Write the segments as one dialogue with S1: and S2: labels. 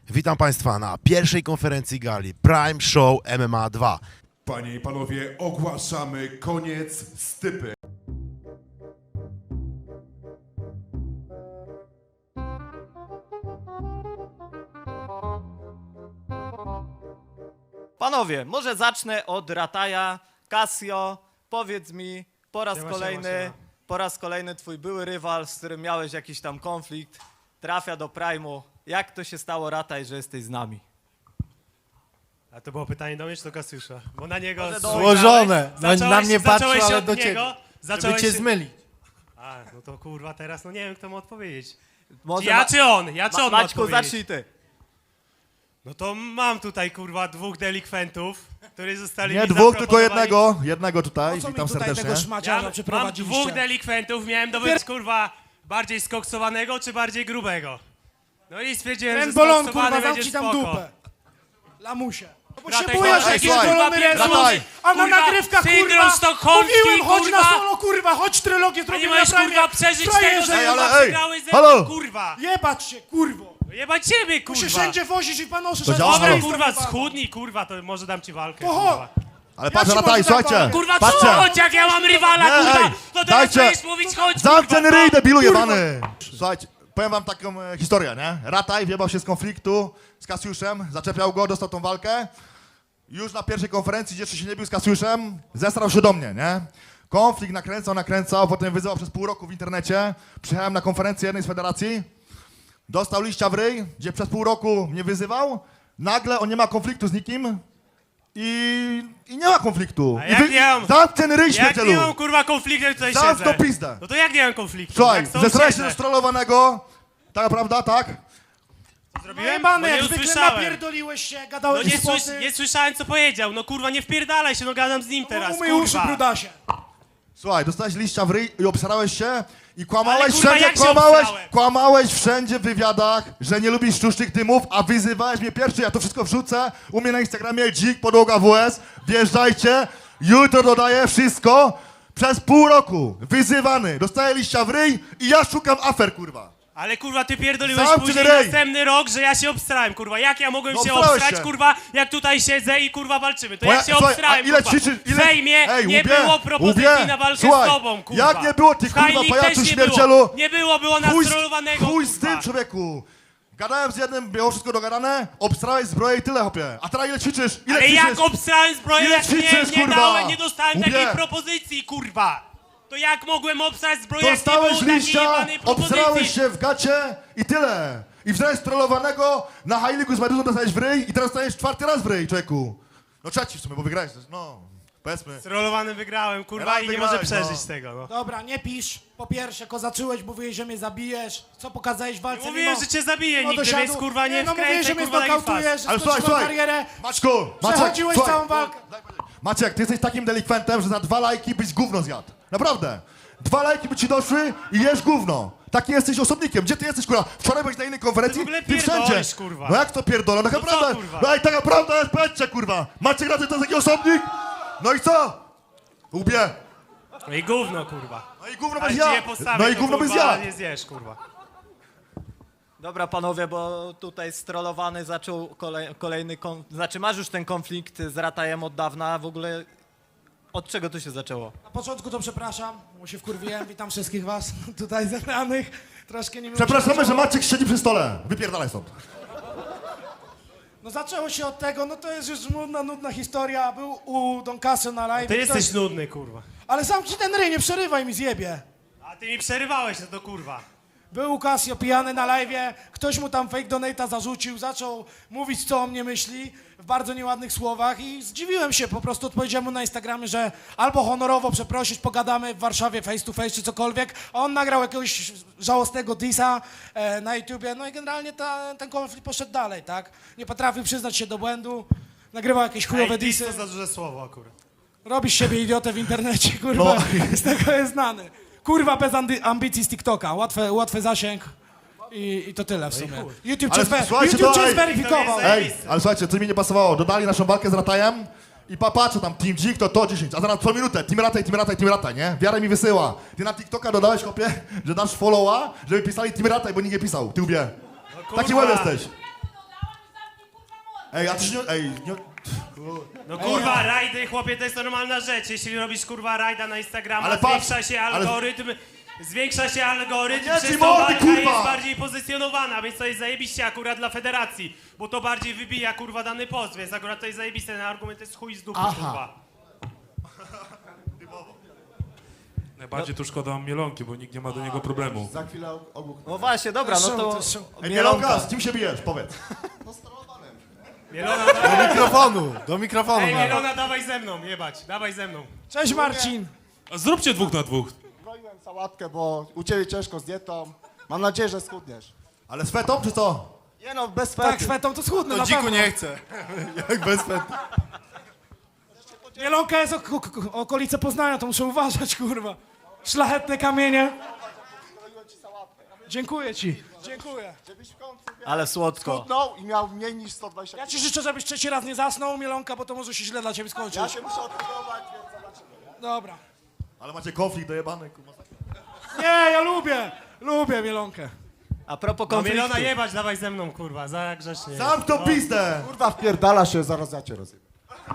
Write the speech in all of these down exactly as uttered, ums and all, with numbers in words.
S1: Witam Państwa na pierwszej konferencji gali Prime Show M M A dwa.
S2: Panie i panowie, ogłaszamy koniec stypy.
S3: Panowie, może zacznę od Rataja. Casio, powiedz mi po raz
S4: Siema,
S3: kolejny,
S4: siema, siema.
S3: po raz kolejny twój były rywal, z którym miałeś jakiś tam konflikt, trafia do Prime'u. Jak to się stało, Rataj, że jesteś z nami?
S4: A to było pytanie do mnie czy do Kasiusza? Bo na niego
S3: Może do-
S5: Złożone. Na,
S4: Zacząłeś-
S5: na mnie patrzył,
S4: zacząłeś
S5: ale
S4: od
S5: do
S4: niego,
S5: ciebie. Żeby
S4: zacząłeś
S5: cię
S4: się-
S5: zmylić.
S4: A, no to kurwa teraz, no nie wiem kto ma odpowiedzieć.
S3: Może
S4: Ja
S3: Ma-
S4: czy on? Ja czy
S3: Ma-
S4: on ma
S3: Maćku,
S4: odpowiedzieć?
S3: zacznij ty.
S4: No to mam tutaj kurwa dwóch delikwentów, którzy zostali
S6: Nie
S4: mi
S6: dwóch, tylko
S4: zaproponowani.
S6: jednego. Jednego tutaj,
S5: Po co mi
S6: witam
S5: tutaj
S6: serdecznie.
S5: tego
S4: Ja
S5: szmaciarza
S4: mam
S5: przyprowadziliście?
S4: dwóch delikwentów, miałem dowiedzieć kurwa bardziej skoksowanego czy bardziej grubego. No i stwierdziłem,
S5: Ten
S4: że
S5: bolon,
S4: skoksowany
S5: kurwa,
S4: będzie
S5: zamknij tam
S4: spoko.
S5: dupę. Lamusie. Bo
S4: Rataj,
S5: się bujasz,
S4: słuchaj,
S5: jak
S6: słuchaj,
S5: jest golony
S4: kurwa,
S5: ręce.
S6: Rataj.
S5: A na
S4: Kurwa,
S5: nagrywkach,
S4: syndrom
S5: kurwa,
S4: sztokholmski,
S5: mówiłem, chodź na
S4: kurwa.
S5: solo, kurwa, chodź trylogię,
S4: Nie
S5: zrobimy
S4: możesz
S5: na Prime.
S4: kurwa przeżyć tego,
S5: Frajerze,
S4: że
S6: Ej,
S4: kurwa
S6: ale ej,
S4: przegrałeś ze
S6: halo.
S4: mną, kurwa.
S5: Jebać się, kurwo.
S4: No jebać ciebie,
S5: Bo
S4: kurwa.
S5: się wszędzie wozisz i panoszysz.
S6: To
S5: aż
S6: działa,
S5: na
S6: halo.
S4: Dobra,
S5: miejsce
S4: kurwa,
S5: wypada.
S4: schudnij, kurwa, to może dam ci walkę,
S5: To
S4: kurwa.
S6: Ale
S5: Ja
S6: patrz,
S5: ci
S6: Rataj,
S5: może dam
S6: słuchajcie.
S5: walkę.
S4: Kurwa,
S6: Patrzcie.
S4: chodź, jak ja mam rywala,
S6: Nie,
S4: kurwa,
S6: ej,
S4: to teraz
S6: dajcie.
S4: będziesz mówić, chodź,
S6: Zamknij
S4: kurwa,
S6: ryj,
S4: no.
S6: debilu jebany! Słuchajcie, powiem wam taką e, historię, nie? Rataj wjebał się z konfliktu z Kasiuszem, zaczepiał go, dostał tą walkę. Już na pierwszej konferencji, gdzie jeszcze się nie bił z Kasiuszem, zesrał się do mnie, nie? Konflikt nakręcał, nakręcał, potem wyzywał przez pół roku w internecie. Przyjechałem na konferencję jednej z federacji, dostał liścia w ryj, gdzie przez pół roku mnie wyzywał. Nagle on nie ma konfliktu z nikim i, i nie ma konfliktu.
S4: A
S6: I
S4: jak nie mam-
S6: Zamknij ten ryj,
S4: Jak
S6: śmiercielu!
S4: nie mam, kurwa, konfliktu, tutaj
S6: Zamknij
S4: siedzę.
S6: to pizdę!
S4: No to jak nie mam konfliktu?
S6: Słuchaj,
S4: Jak są
S6: zesrałeś się
S4: siedzę.
S6: do strollowanego, tak prawda, tak?
S4: Zrobiłem? Bo
S5: Jebany,
S4: nie
S5: jak zwykle
S4: usłyszałem.
S5: napierdoliłeś się,
S4: No
S5: gadałeś
S4: nie,
S5: głupoty.
S4: słysz, nie słyszałem, co powiedział. No kurwa, nie wpierdalaj się, no gadam z nim teraz,
S5: Umyj uszy,
S4: kurwa.
S5: brudasie.
S6: Słuchaj, dostałeś liścia w ryj i obsrałeś się i kłamałeś
S4: Ale, kurwa,
S6: wszędzie,
S4: jak się
S6: kłamałeś,
S4: obsrałem?
S6: kłamałeś wszędzie w wywiadach, że nie lubisz sztucznych dymów, a wyzywałeś mnie pierwszy, ja to wszystko wrzucę, u mnie na Instagramie, dzik, podłoga W S, wjeżdżajcie, jutro dodaję wszystko, przez pół roku, wyzywany, dostaję liścia w ryj i ja szukam afer, kurwa.
S4: Ale kurwa, ty pierdoliłeś
S6: Zamknij
S4: później
S6: ryj.
S4: następny rok, że ja się obstrałem, kurwa. Jak ja mogłem
S6: No
S4: się
S6: obstrałeś
S4: obstrać,
S6: się.
S4: kurwa, jak tutaj siedzę i kurwa walczymy? To
S6: Bo
S4: ja
S6: ja-
S4: się
S6: słuchaj,
S4: obstrałem,
S6: a ile
S4: kurwa.
S6: ćwiczysz- ile-
S4: W fejmie
S6: Ej,
S4: nie
S6: łbie,
S4: było propozycji
S6: łbie.
S4: na walkę
S6: Słuchaj,
S4: z tobą, kurwa.
S6: jak nie było tych,
S4: W
S6: kurwa,
S4: High League
S6: pajacu
S4: też nie
S6: śmierdzielu?
S4: było. Nie było, było
S6: Chuj z-
S4: nastrolowanego,
S6: Chuj z
S4: kurwa.
S6: tym, człowieku. Gadałem z jednym, było wszystko dogadane, obstrałeś zbroję i tyle, hopie. A teraz ile ćwiczysz? Ile
S4: Ale
S6: ćwiczysz?
S4: jak obstrałem zbroję,
S6: Ile
S4: jak nie,
S6: ćwiczysz,
S4: nie
S6: kurwa?
S4: dałem, nie dostałem
S6: Łbie.
S4: takiej propozycji, kurwa. To jak mogłem obstrać zbroję, jak nie było
S6: Dostałeś
S4: takiej
S6: liścia,
S4: jebanej propozycji?
S6: obsrałeś się w gacie i tyle. I wziąłeś strollowanego, na High League'u z Meduzą dostałeś w ryj i teraz dostajesz czwarty raz w ryj, człowieku. No trzeci w sumie, bo wygrałeś, no, powiedzmy.
S4: Zrolowany wygrałem, kurwa,
S6: Raz
S4: i nie może
S6: wygrałeś,
S4: przeżyć
S6: no.
S4: tego, no.
S5: Dobra, nie pisz. Po pierwsze, kozaczyłeś, mówiłeś, że mnie zabijesz. Co pokazałeś w walce?
S4: Mówiłem,
S5: mimo-
S4: że cię zabiję
S5: mimo
S4: nigdy,
S5: dosiadu.
S4: więc kurwa nie
S5: no mówiłeś, że
S4: wkręcaj,
S5: mnie
S4: kurwa, taki
S5: znokautujesz,
S4: fast.
S5: że
S6: Ale słuchaj,
S5: skończyłem
S6: słuchaj.
S5: karierę.
S6: Maćku, Maciek,
S5: Przechodziłeś
S6: słuchaj.
S5: całą walkę.
S6: Maciek, ty jesteś takim delikwentem, że za dwa lajki byś gówno zjadł. Naprawdę. Dwa lajki by ci doszły i jesz gówno. Taki jesteś osobnikiem. Gdzie ty jesteś, kurwa? Wczoraj byłeś na innej konferencji,
S4: Ty w ogóle
S6: ty wszędzie.
S4: pierdolisz, kurwa.
S6: No jak to pierdolę? No
S4: No
S6: naprawdę.
S4: co, kurwa?
S6: No i taka prawda jest, powiedzcie, kurwa. Maciek raczej to jest taki osobnik? No i co? Ubie.
S4: No i gówno, kurwa.
S6: No i gówno
S4: Ale
S6: byś
S4: ci je
S6: jadł.
S4: postawię,
S6: No i
S4: to,
S6: gówno byś
S4: kurwa,
S6: jadł.
S4: nie zjesz, kurwa.
S3: Dobra, panowie, bo tutaj strollowany zaczął kolej, kolejny kon... Znaczy, masz już ten konflikt z Ratajem od dawna, w ogóle od czego to się zaczęło?
S5: Na początku to przepraszam, bo się wkurwiłem. Witam wszystkich was tutaj zebranych. Troszkę nie miło
S6: Przepraszamy,
S5: się
S6: że Maciek siedzi przy stole. Wypierdalaj stąd.
S5: No zaczęło się od tego, no to jest już nudna, nudna historia. Był u Don Casio na live.
S4: Ty jesteś
S5: ktoś...
S4: nudny, kurwa.
S5: Ale sam ci ten ryj, nie przerywaj mi, zjebie.
S4: A ty mi przerywałeś, no to kurwa.
S5: Był u Casio pijany na live'ie, ktoś mu tam fake donate'a zarzucił, zaczął mówić, co o mnie myśli, w bardzo nieładnych słowach i zdziwiłem się, po prostu odpowiedziałem mu na Instagramie, że albo honorowo przeprosić, pogadamy w Warszawie face to face czy cokolwiek, a on nagrał jakiegoś żałosnego dissa e, na YouTubie, no i generalnie ta, ten konflikt poszedł dalej, tak? Nie potrafił przyznać się do błędu, nagrywał jakieś chujowe
S4: Ej, dis
S5: dissy,
S4: to za duże słowo, akurat.
S5: robisz siebie idiotę w internecie, kurwa,
S6: No.
S5: z tego jest znany. Kurwa bez ambi- ambicji z TikToka, łatwy, łatwy zasięg i, i to tyle w sumie. YouTube
S6: Ale
S5: cię, zwe-
S6: słuchajcie,
S5: YouTube
S6: to-
S5: cię
S6: ej,
S5: zweryfikował.
S4: to jest-
S6: Ej, ale słuchajcie, co mi nie pasowało, dodali naszą walkę z Ratajem i pa, patrzę tam, Team Dzik to to dziesięć, a zaraz co minutę, Team Rataj, Team Rataj, Team Rataj, nie? Wiara mi wysyła. Ty na TikToka dodałeś, kopie, że dasz followa, żeby pisali Team Rataj, bo nikt nie pisał, ty ubie. Taki łeb jesteś. Ej, a ty się nie... Ej, nie...
S4: No kurwa, rajdy, chłopie, to jest normalna rzecz. Jeśli robisz kurwa rajda na Instagrama,
S6: Ale patrz,
S4: zwiększa się
S6: ale-
S4: algorytm, zwiększa się algorytm,
S6: Nie,
S4: przez
S6: ci
S4: to
S6: mordy,
S4: walka
S6: kurwa!
S4: jest bardziej pozycjonowana, więc to jest zajebiście akurat dla federacji, bo to bardziej wybija kurwa dany post, więc akurat to jest zajebiste, ten argument jest chuj z dupy, kurwa.
S7: Najbardziej tu szkoda Mielonki, bo nikt nie ma do niego problemu.
S2: Za chwilę obok.
S3: No właśnie, dobra, no to...
S6: Ej, Mielonka, z kim się bijesz? Powiedz.
S4: Mielona,
S1: Do
S4: dawaj,
S1: mikrofonu, do mikrofonu.
S4: ej,
S1: nawet.
S4: Mielona, dawaj ze mną, jebać, dawaj ze mną.
S5: Cześć Marcin.
S7: A zróbcie dwóch na dwóch.
S8: Zrobiłem sałatkę, bo u ciebie ciężko z dietą. Mam nadzieję, że schudniesz.
S6: Ale z fetą, czy co?
S8: Nie no, bez fety.
S5: Tak, z fetą to schudnę, na pewno.
S1: nie chcę. Jak bez fety.
S5: Mielonka jest ok ok okolice Poznania, to muszę uważać, kurwa. Szlachetne kamienie. Dziękuję ci. Dziękuję.
S8: Żebyś w końcu
S3: Ale słodko.
S8: schudnął i miał mniej niż sto dwadzieścia
S5: Ja ci życzę, żebyś trzeci raz nie zasnął, Mielonka, bo to może się źle dla ciebie skończyć.
S8: Ja się muszę odbudować, więc zobaczymy.
S5: Dobra.
S6: Ale macie konflikt dojebany, kurwa.
S5: Nie, ja lubię. Lubię Mielonkę.
S3: A propos
S4: No
S3: konfliktu.
S4: Mielona, jebać, dawaj ze mną, kurwa, za grzecznie.
S6: Sam to pizdę!
S8: Kurwa, wpierdala się, zaraz ja cię rozjebę.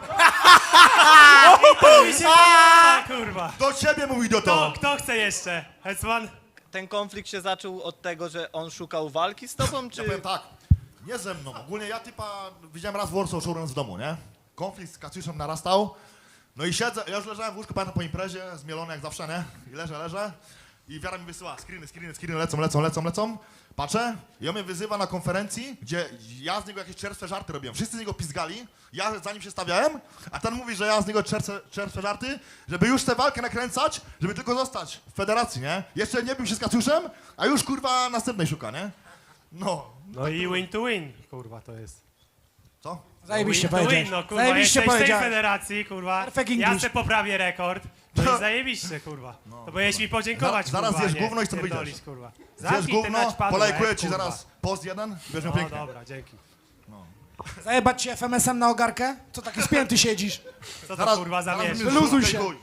S4: To mi się podoba, kurwa.
S6: Do ciebie mówi do
S4: Kto,
S6: to!
S4: kto chce jeszcze? Hetman?
S3: Ten konflikt się zaczął od tego, że on szukał walki z tobą,
S6: Ja
S3: czy...
S6: powiem tak, nie ze mną. Ogólnie ja typa widziałem raz w Warsaw Showrooms w domu, nie? Konflikt z Kacjuszem narastał. No i siedzę, ja już leżałem w łóżku, pamiętam po imprezie, zmielony jak zawsze, nie? I leżę, leżę. I Wiara mi wysyła screeny, screeny, screeny, lecą, lecą, lecą, lecą. Patrzę i on mnie wyzywa na konferencji, gdzie ja z niego jakieś czerstwe żarty robiłem. Wszyscy z niego pizgali, ja za nim się stawiałem, a ten mówi, że ja z niego czerstwe, czerstwe żarty, żeby już tę walkę nakręcać, żeby tylko zostać w federacji, nie? Jeszcze nie bił się z Kacjuszem, a już kurwa następnej szuka, nie? No,
S4: No i win to win, kurwa, to jest.
S6: co?
S5: Zajebiście
S4: win to win,
S5: powiedziałeś.
S4: no kurwa,
S5: Zajebiście
S4: jesteś w tej
S5: powiedziałeś.
S4: federacji, kurwa.
S5: Perfect
S4: Ja
S5: English.
S4: se poprawię rekord. To jest zajebiście, kurwa. To powinieneś mi podziękować,
S6: Zaraz- zaraz
S4: kurwa,
S6: zjesz
S4: nie
S6: gówno i stąd
S4: pierdolić,
S6: wyjdziesz.
S4: kurwa.
S6: Zjesz
S4: Zamknij ten
S6: gówno,
S4: naćpadu,
S6: polajkuję
S4: łeb,
S6: ci
S4: kurwa.
S6: zaraz post jeden, będziesz miał
S4: No
S6: pięknie.
S4: dobra, dzięki.
S5: Zajebać cię F M S em na ogarkę? Co taki spięty siedzisz?
S4: Co to
S6: Zaraz-
S4: kurwa za
S6: zaraz
S4: miecz?
S6: będziesz
S5: Wyluzuj
S6: szukać
S5: się.
S6: chuj.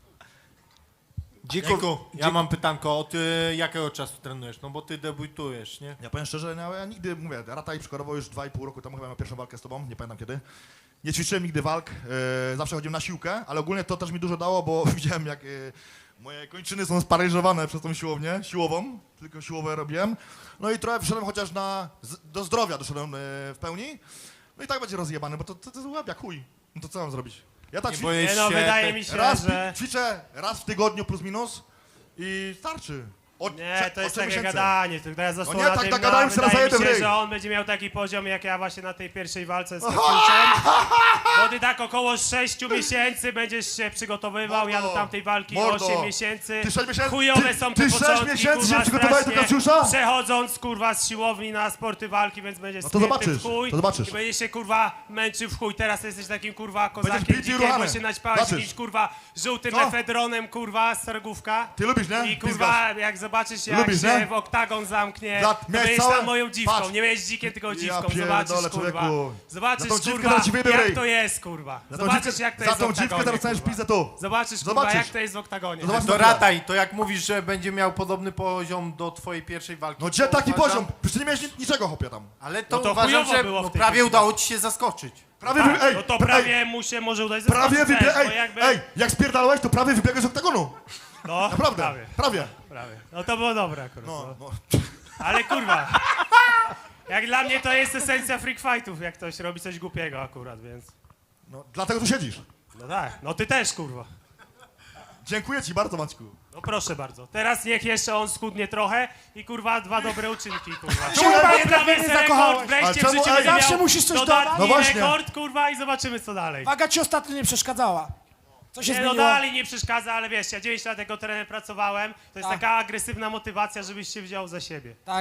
S9: Dziku, ja mam pytanko, ty jakiego czasu trenujesz? No bo ty debiutujesz, nie?
S6: Ja powiem szczerze, no, ja nigdy, mówię, Rataj przykładowo już dwa i pół roku temu chyba miałem pierwszą walkę z tobą, nie pamiętam kiedy. Nie ćwiczyłem nigdy walk, e, zawsze chodziłem na siłkę, ale ogólnie to też mi dużo dało, bo widziałem jak e, moje kończyny są sparyżowane przez tą siłownię, siłową, tylko siłowe robiłem. No i trochę wszedłem chociaż na, z, do zdrowia doszedłem e, w pełni. No i tak będzie rozjebany, bo to, to, to jest łeb jak chuj. No to co mam zrobić? Ja tak
S9: Nie
S6: ćwi-
S9: boisz
S4: Nie no,
S9: się
S4: wydaje
S9: te-
S4: mi się,
S6: raz
S4: że...
S6: pi- ćwiczę raz w tygodniu plus minus i starczy. Od,
S4: Nie,
S6: prze-
S4: to jest
S6: od
S4: takie
S6: miesięcy.
S4: gadanie, to teraz został
S6: nie,
S4: na
S6: tak
S4: tym,
S6: nagadałem
S4: no,
S6: się, raz
S4: wydaje mi
S6: zajedę w
S4: się,
S6: ryj.
S4: że on będzie miał taki poziom, jak ja właśnie na tej pierwszej walce z Kacjuszem. Bo ty tak około sześciu miesięcy będziesz się przygotowywał, ja do
S6: Mordo,
S4: tamtej walki
S6: mordo.
S4: osiem miesięcy.
S6: Ty sześć miesięcy-
S4: Chujowe
S6: ty-
S4: są
S6: ty
S4: te
S6: sześć
S4: początki,
S6: miesięcy się
S4: kurwa,
S6: przygotowałeś do
S4: strasznie,
S6: Kacjusza?
S4: Przechodząc, kurwa, z siłowni na sporty walki, więc będziesz
S6: No to
S4: spięty
S6: zobaczysz,
S4: w chuj
S6: to zobaczysz.
S4: i będziesz się, kurwa, męczył w chuj. Teraz jesteś takim, kurwa,
S6: Będziesz
S4: kozakiem
S6: bity i
S4: dzikiem,
S6: ruchany.
S4: bo się naćpałeś
S6: Zobaczysz.
S4: jakimś, kurwa, żółtym
S6: Co?
S4: efedronem, kurwa, z targówka.
S6: Ty lubisz, nie?
S4: I kurwa,
S6: Pizgasz.
S4: jak zobaczysz, jak
S6: Lubisz,
S4: się
S6: nie?
S4: w oktagon zamknie,
S6: Za-
S4: to
S6: miałeś
S4: będziesz
S6: całe-
S4: tam moją dziwką.
S6: Patrz.
S4: Nie będziesz dzikiem, tylko
S6: Ja
S4: dziwką.
S6: pierdolę,
S4: Zobaczysz, kurwa.
S6: człowieku.
S4: Zobaczysz,
S6: Za tą dziwkę
S4: kurwa,
S6: zaraz ci wyjdę w
S4: jak
S6: ryj.
S4: to jest, kurwa.
S6: Za tą
S4: Zobaczysz,
S6: dziwkę,
S4: jak to
S6: za
S4: jest w
S6: tą dziwkę
S4: oktagonie,
S6: zaraz dostaniesz
S4: kurwa.
S6: pizdę tu.
S4: Zobaczysz, kurwa,
S6: Zobaczysz.
S4: jak to jest w oktagonie.
S6: Zobacz,
S9: To Rataj, to jak mówisz, że będzie miał podobny poziom do twojej pierwszej walki.
S6: No gdzie
S9: to
S6: taki
S9: uważam-
S6: poziom? Przecież ty nie miałeś ni- niczego, hopie tam.
S9: Ale to,
S4: No to
S9: uważam,
S4: chujowo
S9: że
S4: było w
S9: no,
S4: tej
S9: prawie
S4: pierwszej
S9: udało ci się zaskoczyć.
S6: Prawie,
S4: Tak,
S6: wy, ej,
S4: no to
S6: ej,
S4: prawie mu się może udać
S6: prawie
S4: zaskoczyć
S6: wybie...
S4: też, bo
S6: Ej,
S4: jakby...
S6: ej, jak spierdalałeś, to prawie wybiegłeś z oktagonu.
S4: No,
S6: Naprawdę,
S4: prawie,
S6: prawie.
S4: prawie. No to było dobre akurat.
S6: No,
S4: No.
S6: no.
S4: Ale kurwa, jak dla mnie to jest esencja freak fightów, jak ktoś robi coś głupiego akurat, więc...
S6: no dlatego tu siedzisz.
S4: No tak, no ty też, kurwa.
S6: Dziękuję ci bardzo, Maćku.
S4: No proszę bardzo. Teraz niech jeszcze on schudnie trochę i kurwa dwa dobre uczynki, kurwa.
S5: Czemu tak
S4: Nie
S5: prawie
S4: jest
S5: nie
S4: rekord,
S5: zakochałeś?
S6: Ale
S4: wreszcie w
S6: czemu-
S4: życiu
S6: ej,
S4: będzie
S5: zawsze
S4: miał
S5: musisz coś
S4: dodatni
S6: dodać? No właśnie.
S4: rekord, kurwa, i zobaczymy co dalej.
S5: Waga ci ostatnio nie przeszkadzała. Co się
S4: Nie, no
S5: zmieniło?
S4: dalej nie przeszkadza, ale wiesz, ja dziewięć lat jako trener pracowałem, to jest
S5: Tak.
S4: taka agresywna motywacja, żebyś się wziął za siebie.
S5: Tak.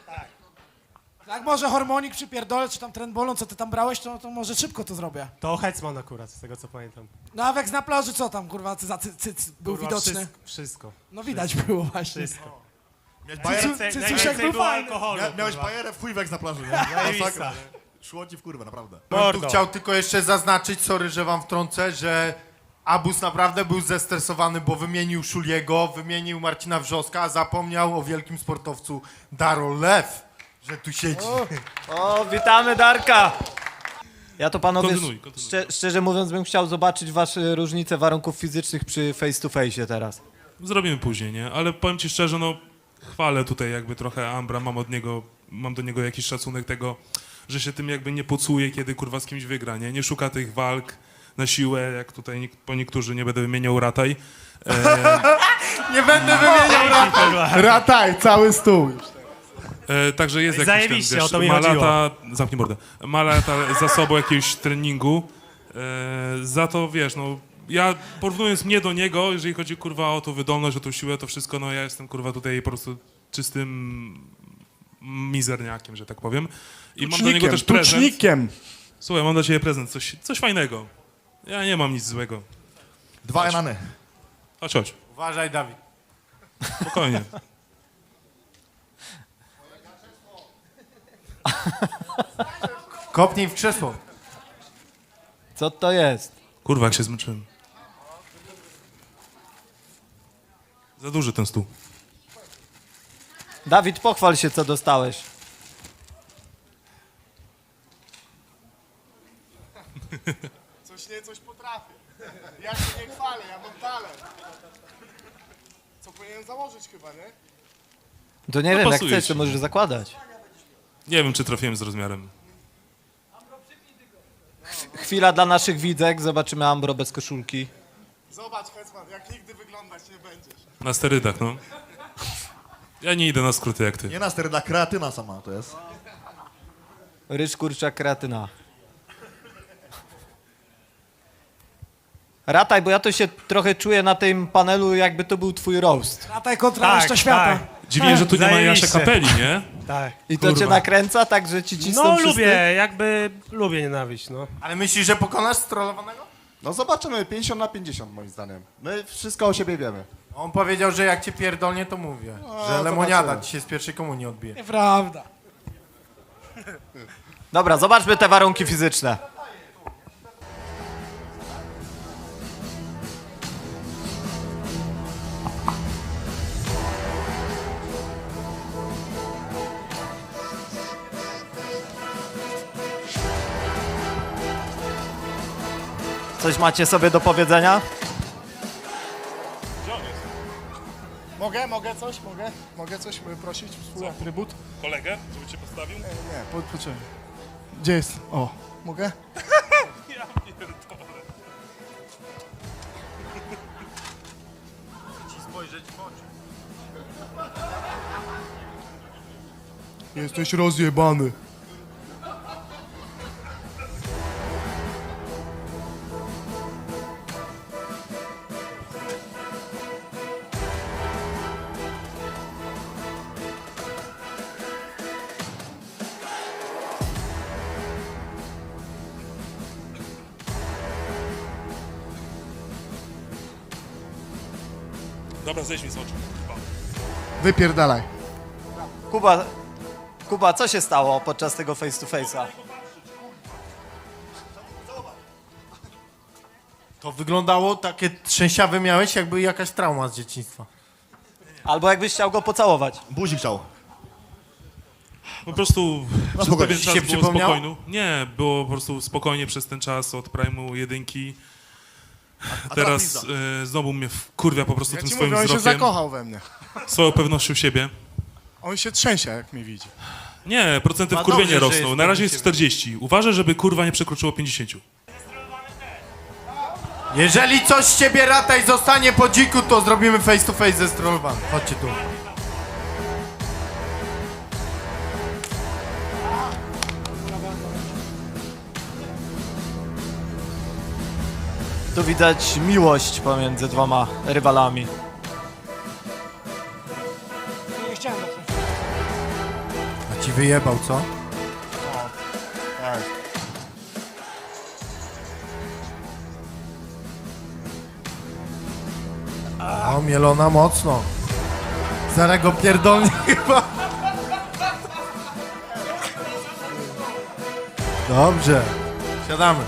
S5: Jak może hormonik przypierdolę, czy tam trendbolą, co ty tam brałeś, to, to może szybko to zrobię.
S4: To Hetman akurat, z tego co pamiętam.
S5: No a weks na plaży co tam, kurwa, cyc, cyc, cyc był
S4: Kurwa,
S5: widoczny?
S4: Wszystko, wszystko.
S5: No widać było właśnie.
S4: wszystko.
S6: Miałeś
S5: Cycu-
S6: bajerę,
S4: Najwięcej,
S5: cycuszek
S4: najwięcej
S5: był
S4: było
S5: fajny.
S4: alkoholu,
S6: mia, miałeś
S4: kurwa.
S6: bajerę w chujwek na plaży, nie?
S4: Zajebista.
S6: Masakra, nie? Szło ci w kurwę, naprawdę.
S9: Bym
S4: Mordo.
S9: tu chciał tylko jeszcze zaznaczyć, sorry, że wam wtrącę, że Abus naprawdę był zestresowany, bo wymienił Szuliego, wymienił Marcina Wrzoska, a zapomniał o wielkim sportowcu Daro Lew, że tu siedzi.
S3: O, witamy Darka! Ja to panowie,
S7: Kontynuuj, kontynuuj.
S3: Szczer, szczerze mówiąc, bym chciał zobaczyć wasze różnice warunków fizycznych przy face to face teraz.
S7: Zrobimy później, nie? Ale powiem ci szczerze, no chwalę tutaj jakby trochę Ambra, mam od niego, mam do niego jakiś szacunek tego, że się tym jakby nie pocuje, kiedy kurwa z kimś wygra, nie? Nie szuka tych walk na siłę, jak tutaj niek- po niektórzy, nie będę wymieniał Rataj. E,
S9: Nie będę wymieniał Rataj. Rataj, cały stół.
S7: e, także jest jakiś ten,
S4: Zajebiście,
S7: wiesz,
S4: o to mi
S7: ma
S4: chodziło.
S7: lata, zamknij mordę, ma lata za sobą jakiegoś treningu, e, za to, wiesz, no ja porównując mnie do niego, jeżeli chodzi kurwa o tą wydolność, o tą siłę, to wszystko, no ja jestem kurwa tutaj po prostu czystym mizerniakiem, że tak powiem. I mam do niego też prezent.
S2: tucznikiem.
S7: Słuchaj, mam dla ciebie prezent, coś, coś fajnego. Ja nie mam nic złego.
S6: Dwa enany.
S7: Chodź, chodź,
S9: Uważaj, Dawid.
S7: spokojnie.
S9: Kopnij w krzesło.
S3: Co to jest?
S7: Kurwa, jak się zmęczyłem. Za duży ten stół.
S3: Dawid, pochwal się, co dostałeś.
S8: Coś nie, coś potrafię. Ja się nie chwalę, ja mam talent. Co powinienem założyć chyba, nie?
S3: To nie
S7: No
S3: wiem, jak
S7: pasuje
S3: chcesz,
S7: ci.
S3: to możesz zakładać.
S7: Nie wiem, czy trafiłem z rozmiarem.
S3: Chwila dla naszych widzek, zobaczymy Ambro bez koszulki.
S8: Zobacz, Hetman, jak nigdy wyglądać nie będziesz.
S7: Na sterydach, no. Ja nie idę na skróty jak ty.
S6: Nie na steryda, kreatyna sama to jest.
S3: Ryż, kurczak, kreatyna. Rataj, bo ja to się trochę czuję na tym panelu, jakby to był twój roast.
S5: Rataj kontra
S4: Tak,
S5: reszta świata.
S4: tak.
S7: Dziwnie, że tu nie ma
S4: Zajebiście.
S7: Jasia Kapeli, nie?
S4: Tak.
S3: I to
S7: Kurwa.
S3: cię nakręca, tak, że ci cisną
S4: No
S3: wszyscy?
S4: lubię, jakby lubię nienawiść, no.
S9: Ale myślisz, że pokonasz strollowanego?
S8: No zobaczymy, pięćdziesiąt na pięćdziesiąt moim zdaniem. My wszystko o siebie wiemy.
S9: On powiedział, że jak cię pierdolnie, to mówię.
S8: A,
S9: Że lemoniada
S8: zobaczymy.
S9: ci się z pierwszej komunii odbije.
S5: Nieprawda.
S3: Dobra, zobaczmy te warunki fizyczne. Coś macie sobie do powiedzenia?
S8: Mogę, mogę coś, mogę? Mogę coś prosić? Swój atrybut?
S7: Kolegę, żeby cię postawił?
S8: Nie, nie, po, poczekaj. Gdzie jest? O, mogę? Jesteś rozjebany.
S7: Dobra, zejdź mi z oczu.
S8: Wypierdalaj.
S3: Kuba, Kuba, co się stało podczas tego face to face'a?
S9: To wyglądało, takie trzęsiawy miałeś, jakby jakaś trauma z dzieciństwa.
S3: Albo jakbyś chciał go pocałować.
S6: Buzi chciał.
S7: Po prostu przez
S6: spokojnie.
S7: pewien
S9: Ci
S7: czas
S9: się
S7: było
S9: przypomniało?
S7: spokojno. Nie, było po prostu spokojnie przez ten czas od Prime'u jedynki.
S6: A
S7: Teraz
S6: pizza.
S7: e, znowu mnie wkurwia po prostu
S8: Ja
S7: tym
S8: ci
S7: swoim
S8: mówię, on się
S7: wzrokiem,
S8: zakochał we mnie.
S7: swoją pewnością siebie.
S8: On się trzęsie, jak mnie widzi.
S7: Nie, procenty
S9: No
S7: wkurwienia
S9: dobrze, że
S7: rosną.
S9: jest
S7: Na razie
S9: pewny
S7: jest
S9: siebie.
S7: czterdzieści. Uważaj, żeby kurwa nie przekroczyło pięćdziesiąt.
S9: Jeżeli coś z ciebie Rataj zostanie po dziku, to zrobimy face to face ze strollowanym. Chodźcie tu.
S3: Tu widać miłość pomiędzy dwoma rywalami.
S5: Nie chciałem tak.
S9: A ci wyjebał, co?
S8: Tak.
S9: O, mielona mocno. Zaraz go pierdolnie chyba. Dobrze. Siadamy.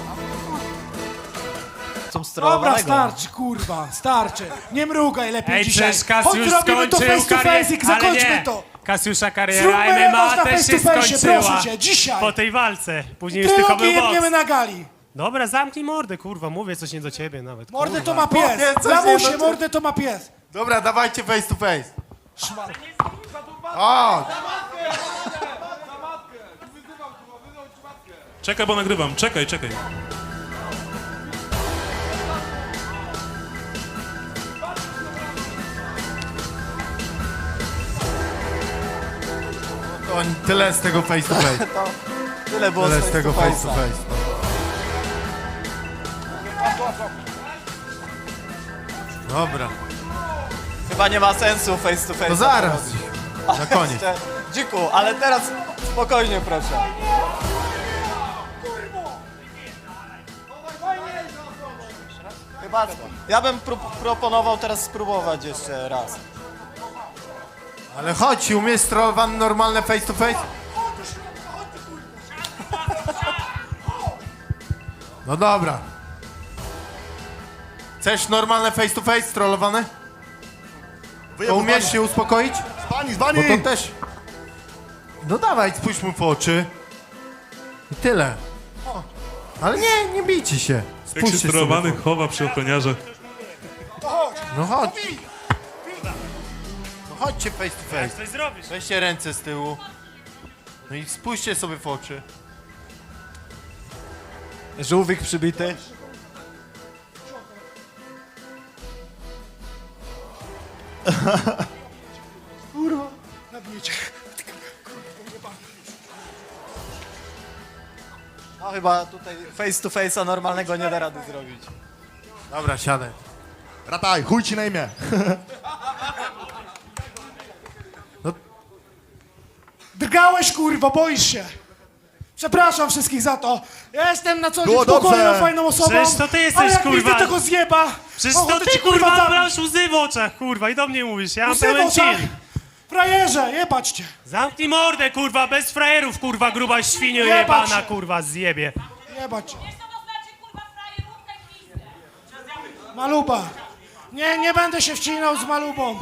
S3: Są
S5: Dobra,
S3: strolowanego.
S5: starczy, kurwa, starczy. Nie mrugaj lepiej
S4: Ej,
S5: dzisiaj.
S4: przecież Kasiusz
S5: Chodź, robimy to
S4: skończył
S5: face to
S4: karierę,
S5: face i
S4: ale
S5: zakończmy
S4: nie.
S5: to.
S4: Kasiusza kariera
S5: Zróbmy
S4: M M A
S5: rewanż na
S4: też
S5: face
S4: się
S5: to face,
S4: skończyła.
S5: proszę cię, dzisiaj.
S4: Po tej walce. Później już tylko
S5: Trylogię
S4: był
S5: jebniemy
S4: boks.
S5: na gali.
S4: Dobra, zamknij mordę, kurwa, mówię coś nie do ciebie nawet.
S5: Mordę
S4: kurwa.
S5: to ma pies.
S9: Powiedz coś
S5: Lamusie,
S9: jedno-
S5: mordę to ma pies.
S9: Dobra, dawajcie face to face. O,
S7: Czekaj, bo nagrywam. Czekaj, czekaj.
S9: to tyle z tego face to face.
S3: Tyle było
S9: Tyle
S3: z
S9: z tego face to
S3: face'a.
S9: face. Dobra,
S3: Chyba nie ma sensu face to face.
S9: to zaraz. Na koniec.
S3: Jeszcze, Dziku, ale teraz spokojnie proszę. Chyba, ja bym pró- proponował teraz spróbować jeszcze raz.
S9: Ale chodź, umiesz strolowany normalne face to face? No dobra. Chcesz normalne face to face strollowane? To umiesz się uspokoić?
S6: Z bani, z
S9: Bo
S6: bani!
S9: to też... No dawaj, spójrz mu w oczy. I tyle. Ale nie, nie bijcie się.
S7: Jak się
S9: Spójrzcie sobie.
S7: sterowany
S9: w-
S7: chowa przy ochroniarze.
S9: No chodź. No chodźcie face to face.
S4: Coś zrobisz.
S9: Weźcie ręce z tyłu. No i spójrzcie sobie w oczy.
S3: Żółwik przybity.
S5: Nabijecie.
S3: No chyba tutaj face to face'a normalnego nie da rady zrobić.
S9: Dobra, siadaj.
S6: Rataj, chuj ci na imię.
S5: Drgałeś, kurwa, boisz się. Przepraszam wszystkich za to. Ja jestem na co dzień
S6: Było
S5: spokojną,
S6: dobrze.
S5: fajną osobą.
S4: Przecież to ty jesteś,
S5: ale jak
S4: kurwa.
S5: widzę tego zjeba,
S4: Przecież to
S5: ochotę
S4: ty,
S5: ci,
S4: kurwa,
S5: zabić.
S4: masz łzy w oczach, kurwa, i do mnie mówisz, ja mam
S5: Łzy w
S4: pełen
S5: oczach?
S4: chill.
S5: Frajerze, jebać cię.
S4: Zamknij mordę, kurwa, bez frajerów, kurwa, gruba świnio
S5: Jebać
S4: jebana,
S5: się.
S4: kurwa, zjebie.
S5: Jebać cię. Maluba. Nie, nie będę się wcinał z Malubą.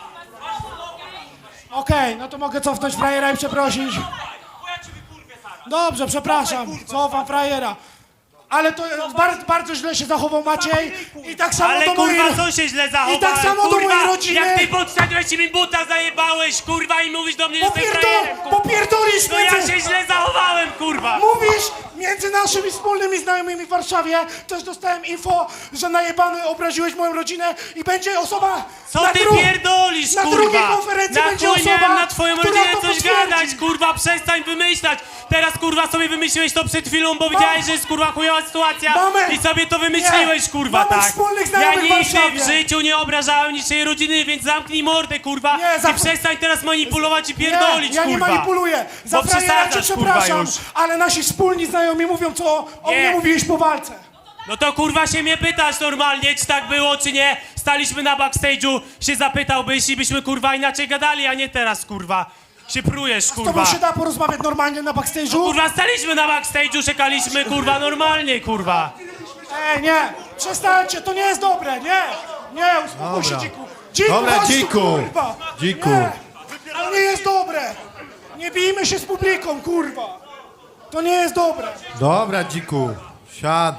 S5: Okej, no to mogę cofnąć frajera i przeprosić. Dobrze, przepraszam. Cofam frajera. Ale to bardzo, bardzo źle się zachował Maciej i tak samo
S4: Ale
S5: do mojej...
S4: kurwa, co się źle zachowałem?
S5: I tak samo do
S4: kurwa,
S5: mojej rodziny.
S4: Jak ty podszedłeś i mi buta zajebałeś, kurwa, i mówisz do mnie, że jestem frajerem,
S5: Popierdol,
S4: kurwa.
S5: popierdolisz
S4: To ja
S5: między...
S4: się źle zachowałem, kurwa.
S5: Mówisz, między naszymi wspólnymi znajomymi w Warszawie też dostałem info, że najebany obraziłeś moją rodzinę i będzie osoba...
S4: Co
S5: na
S4: ty
S5: dru-
S4: pierdolisz,
S5: na
S4: kurwa?
S5: drugiej konferencji
S4: Na
S5: będzie
S4: chuj
S5: osoba,
S4: miałem na twoją
S5: która
S4: rodzinę
S5: to
S4: coś
S5: potwierdzi.
S4: gadać, kurwa, przestań wymyślać. Teraz, kurwa, sobie wymyśliłeś to przed chwilą, bo widziałeś, że jest, kurwa, chujowa sytuacja
S5: Mamy-
S4: i sobie to wymyśliłeś,
S5: Nie.
S4: kurwa,
S5: Mamy
S4: tak.
S5: wspólnych
S4: Ja
S5: znajomych w
S4: nigdy
S5: Warszawie.
S4: w życiu nie obrażałem niczyjej rodziny, więc zamknij mordę, kurwa,
S5: Nie, za-
S4: i przestań teraz manipulować i pierdolić,
S5: nie, ja nie
S4: kurwa.
S5: manipuluję. Za
S4: Bo
S5: frajera cię
S4: przesadzasz, kurwa,
S5: przepraszam,
S4: już.
S5: ale nasi wspólni znajomi mówią, co o
S4: Nie.
S5: mnie mówiłeś po walce.
S4: No to kurwa się mnie pytasz normalnie, czy tak było, czy nie. Staliśmy na backstage'u, się zapytałbyś i byśmy kurwa inaczej gadali, a nie teraz kurwa. Się prujesz
S5: Z tobą
S4: kurwa.
S5: się da porozmawiać normalnie na backstage'u?
S4: Kurwa staliśmy na backstage'u, czekaliśmy kurwa normalnie kurwa.
S5: Ej, nie, przestańcie, to nie jest dobre, nie. Nie, uspokój się,
S9: Dobra.
S5: dziku. Dziku,
S9: Dobra,
S5: chodź tu,
S9: dziku.
S5: kurwa.
S9: Dziku.
S5: Nie, to nie jest dobre. Nie bijmy się z publiką, kurwa. To nie jest dobre.
S9: Dobra, dziku. Siadaj.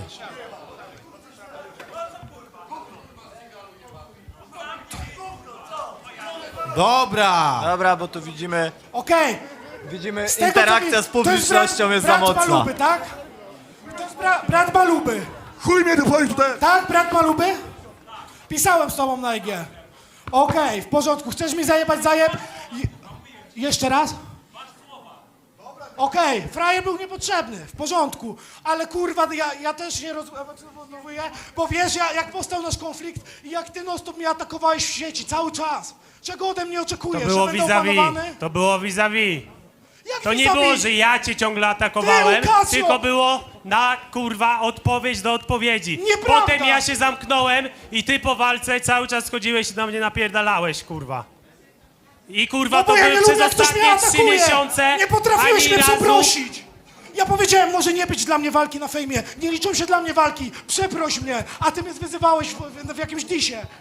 S9: Dobra.
S3: Dobra, bo tu widzimy,
S5: Okej.
S3: widzimy
S5: Z tego, co
S3: interakcja
S5: wi-
S3: z
S5: to jest
S3: publicznością
S5: brat,
S3: jest
S5: brat
S3: za mocna.
S5: Maluby, tak? To jest bra, brat Maluby.
S6: Chuj mnie tu chodzi tutaj!
S5: Tak, brat Maluby? Pisałem z tobą na I G. Okej, w porządku. Chcesz mi zajebać zajeb? I... Jeszcze raz? Okej, frajer był niepotrzebny, w porządku, ale kurwa, ja, ja też się rozmowuję, bo wiesz, ja, jak powstał nasz konflikt i jak ty non stop mnie atakowałeś w sieci cały czas. Czego ode mnie
S4: To
S5: oczekujesz,
S4: było
S5: że będę
S4: vis-a-vis,
S5: opanowany?
S4: to było vis-a-vis.
S5: Jak
S4: To nie
S5: vis-a-vis?
S4: było, że ja cię ciągle atakowałem,
S5: Ty, Łukaszu!
S4: tylko było na kurwa odpowiedź do odpowiedzi.
S5: Nieprawda!
S4: Potem ja się zamknąłem i ty po walce cały czas chodziłeś i na mnie napierdalałeś kurwa. I kurwa
S5: No
S4: to
S5: bo ja
S4: były
S5: nie
S4: przez
S5: lubię, jak ktoś mnie
S4: ostatnie trzy
S5: atakuje.
S4: miesiące.
S5: Nie potrafiłeś
S4: ani
S5: mnie
S4: razu-
S5: przeprosić. Ja powiedziałem, może nie być dla mnie walki na fejmie. Nie liczą się dla mnie walki. Przeproś mnie. A ty mnie wyzywałeś w, w, w jakimś disie.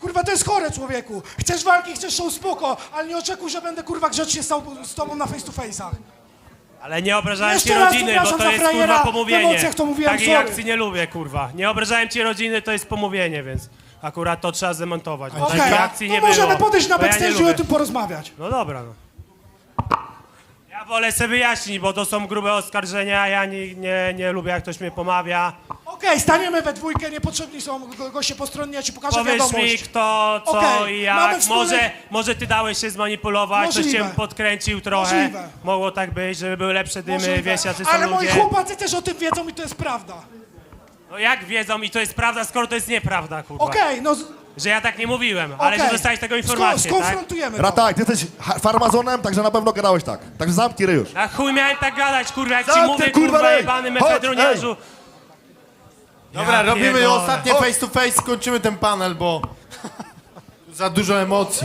S5: Kurwa, to jest chore, człowieku. Chcesz walki, chcesz show, spoko, ale nie oczekuj, że będę kurwa grzecznie stał z tobą na face to face'ach.
S4: Ale nie obrażałem
S5: Jeszcze
S4: ci
S5: raz
S4: rodziny, bo
S5: przepraszam
S4: to
S5: za
S4: jest
S5: frajera,
S4: kurwa
S5: w
S4: pomówienie.
S5: emocjach to mówiłem,
S4: Takiej
S5: sorry.
S4: akcji nie lubię, kurwa. Nie obrażałem ci rodziny, to jest pomówienie, więc akurat to trzeba zdemontować. Bo
S5: Okej,
S4: takiej akcji
S5: no
S4: nie
S5: możemy
S4: było.
S5: podejść na
S4: bo ja nie
S5: backstage'u i o
S4: lubię.
S5: tym porozmawiać.
S4: No dobra, no. Ja wolę sobie wyjaśnić, bo to są grube oskarżenia, ja nie, nie, nie lubię, jak ktoś mnie pomawia.
S5: Okej, staniemy we dwójkę, niepotrzebni są go- goście postronni, ja ci pokażę
S4: Powiesz
S5: wiadomość.
S4: mi kto, co
S5: Okej,
S4: i
S5: mamy
S4: jak.
S5: wspólny-
S4: Może, może ty dałeś się zmanipulować, ktoś
S5: Możliwe.
S4: cię podkręcił trochę.
S5: Możliwe.
S4: Mogło tak być, żeby były lepsze dymy,
S5: Możliwe.
S4: wiesz, jacy są
S5: Ale moi
S4: ludzie.
S5: chłopacy też o tym wiedzą i to jest prawda.
S4: No jak wiedzą i to jest prawda, skoro to jest nieprawda, kurwa.
S5: Okej, no... z-
S4: Że ja tak nie mówiłem, ale
S5: okej.
S4: że dostałeś tego
S5: Sko-
S4: informację, tak?
S5: Skonfrontujemy to.
S6: Rataj, ty jesteś ha- farmazonem, także na pewno gadałeś tak. Także zamknij ryj już.
S4: Na chuj miałem tak gadać, kurwa, jak ci
S6: Zamknij,
S4: mówię,
S6: kurwa,
S4: kurwa,
S6: rej.
S4: jebany
S6: Chodź,
S4: mefedroniarzu.
S9: Dobra,
S4: Ja
S9: robimy
S4: pierdolę.
S9: ostatnie face to face, skończymy ten panel, bo za dużo emocji.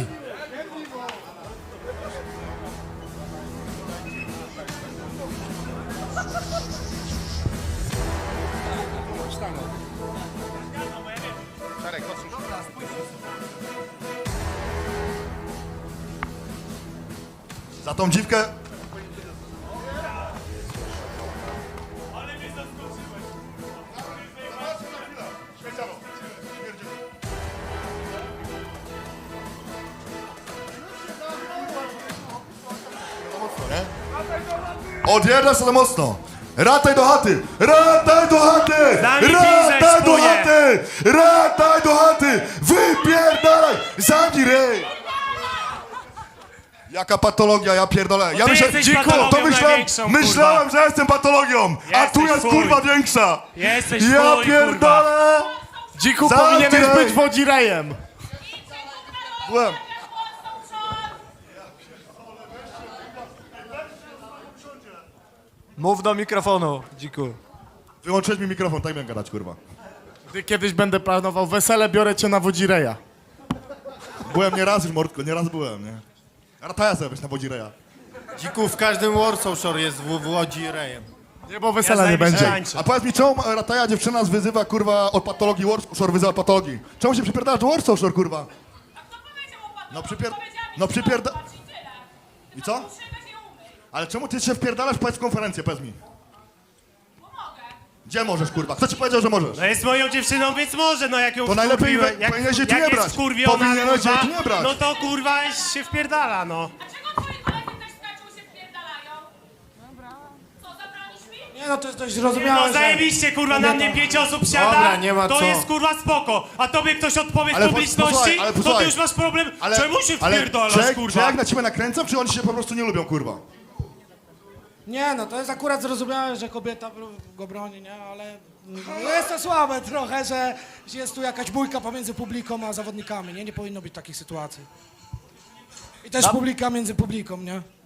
S6: Za tą dziwkę... Odjeżdżasz za mocno. Rataj do chaty! Rataj do chaty!
S4: nami
S6: Rataj
S4: biznes
S6: do
S4: płynie.
S6: chaty! Rataj do chaty! Wypierdalaj! Zamknij ryj! Jaka patologia, ja pierdolę. Ja
S4: ty
S6: myślałem,
S4: jesteś
S6: Dziku,
S4: patologią
S6: to myślałem,
S4: największą, kurwa.
S6: myślałem, że jestem patologią, a
S4: Jesteś
S6: tu jest
S4: chuj.
S6: kurwa większa.
S4: Jesteś
S6: Ja
S4: chuj,
S6: pierdolę!
S9: Dziku,
S6: Zamknij
S9: powinieneś
S6: ryj.
S9: być wodzirejem.
S6: Byłem.
S3: Mów do mikrofonu, dziku.
S6: Wyłączyłeś mi mikrofon, tak miałem gadać, kurwa.
S8: Gdy kiedyś będę planował wesele, biorę cię na wodzireja.
S6: Byłem nieraz już, mordko, nieraz byłem, nie? Rataja sobie weź na wodzireja.
S9: Dziku, w każdym Warsaw Shore jest w, w Łodzi rejem.
S8: Nie, bo
S4: Ja
S8: wesela nie będzie.
S4: zajebiście
S6: A powiedz mi, czemu e, Rataja dziewczyna nas wyzywa, kurwa, od patologii Warsaw Shore, wyzywa od patologii? Czemu się przypierdasz do Warsaw Shore, kurwa? No przypier... No przypierda... I co? Ale czemu ty się wpierdalasz, powiedz konferencję, powiedz mi. Gdzie możesz, kurwa? Kto ci powiedział, że możesz?
S4: No jest moją dziewczyną, więc może, no jak ją
S6: To najlepiej
S4: wkurwiłem-
S6: we- powinieneś jej tu
S4: jak
S6: nie
S4: jest
S6: brać.
S4: wkurwiona,
S6: Powinieneś jej
S4: kurwa,
S6: tu nie brać.
S4: no to kurwa się wpierdala, no.
S10: Dlaczego twoi koledzy też skaczą się wpierdalają? Dobra. Co, zabronisz mi?
S5: Nie no, to jest dość
S4: No
S5: zrozumiałe, że...
S4: zajebiście, kurwa, na mnie pięć osób siada,
S9: Dobra, nie ma
S4: to
S9: co.
S4: jest kurwa spoko. A tobie ktoś odpowie
S6: Ale
S4: w
S6: po-
S4: publiczności,
S6: posłuchaj, ale
S4: to ty
S6: posłuchaj.
S4: już masz problem.
S6: Ale,
S4: Czemu się
S6: ale
S4: wpierdalasz,
S6: czy, jak-
S4: kurwa?
S6: czy jak na ciebie nakręcam, czy oni się po prostu nie lubią, kurwa?
S5: Nie no, to jest akurat zrozumiałe, że kobieta bro- go broni, nie? Ale no jest to słabe trochę, że jest tu jakaś bójka pomiędzy publiką a zawodnikami, nie? Nie powinno być takich sytuacji. I też publika między publiką, nie?